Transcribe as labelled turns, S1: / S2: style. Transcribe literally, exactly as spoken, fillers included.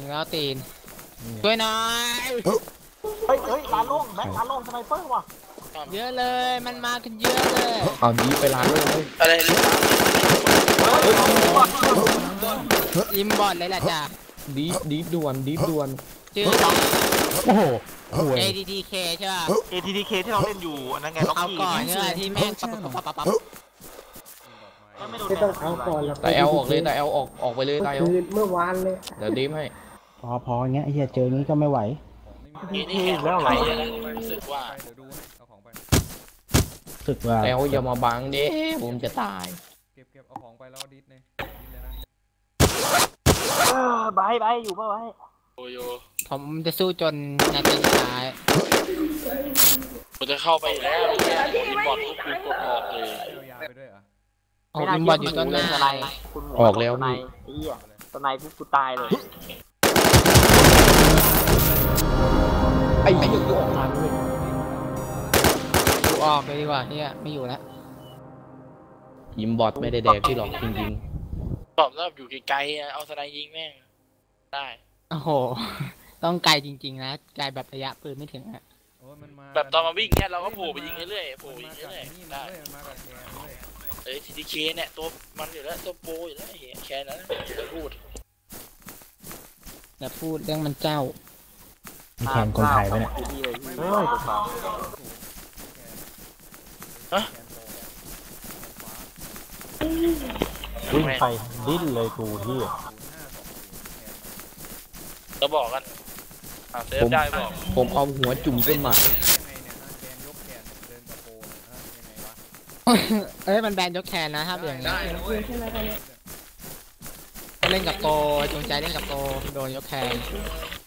S1: แล้วตีนช่วยหน่อย
S2: เฮ้ยเฮ้ยลานโล่งแม็กลานโล่งสไนเปอร์ว่ะ
S1: เยอะเลยมันมากันเยอะเลย
S3: เอาดีไปร้านเลย
S4: อะไร
S1: อิมบอดเลยแหละจ้ะ
S3: ดีดีด่วนดีด่วน
S1: ชื่อ
S3: โอ้โห
S1: เอ ที ที เค ใช่ป่ะ
S2: เอ ที ที เค ที่เราเล่นอยู่นั่นไงล็อก
S1: เอา
S2: กี้
S1: ก่อนเนี่ยที่แม่งปั๊บปั๊บปั๊บปั๊บ
S5: ไม่ต้องเอาก่อนแล้ว
S3: แต่เอลออกเลยแต่เอลออกออกไปเลยแต่เอล
S5: เมื่อวานเลย
S3: เดี๋ยวดีมให้
S5: พอพอเงี้ยไอ้เหี้ยเจองี้ก็ไม่ไหว
S4: นี่นี่แล้วอะไรรู้สึกว่า
S5: สึกว่า
S3: แต่เอลอย่ามาบังดิผมจะตาย
S6: เก็บเก็บเอาของไปแล้วดิสเลยดิสเลยนะ
S2: บายบายอยู่ป่ะบาย
S4: โอ้ย
S1: ผมจะสู้จนนาทีสุดท้าย
S4: ผมจะเข้าไปแล้วอินบอร์ดทุกคือกดออกเลย
S6: ยาวไปด้วยอ่ะ
S1: ออกอินบอร์ดอยู่ต้นหน้า
S3: ออกแล้วนี่
S2: ไอ้เหี้ยสไนปุ๊บกูตายเลย
S3: ไอ้ไอ้ยังออกมาด้วย
S1: กูออกเลยดีกว่าเนี่ยไม่อยู่แล้ว
S3: ยิมบอทไม่ได้แดกที่หลอกจริง
S4: ๆตอบแล้วอยู่ไกลๆเอาสไนยิงแม่งได้
S1: โอ้โหต้องไกลจริงๆนะไกลแบบระยะปืนไม่ถึงอะ
S4: แบบตอนมาวิ่งเนี่ยเราก็โผล่ไปยิงเรื่อยๆโผล่ยิงเรื่อยๆได้เอ้ยทีดีเคเนี่ยตัวมันอยู่แล้วตัวโปอยู่แล้วแค่นั้นอย่าพูด
S1: อย่าพูดเรื่องมันเจ้า
S5: แทนคนไทยไปเนี่ย
S2: เฮ้ย
S4: ฮะ
S2: วิ่งไปดิ้นเลยกูที่
S4: จะบอกกันเซฟได้บอก
S3: ผมเอาหัวจุ่มต้นไม้
S1: เอ้ยมันแบนยกแขนนะครับอย่างนี้เล่นกับโกจงใจเล่นกับโกโดนยกแขน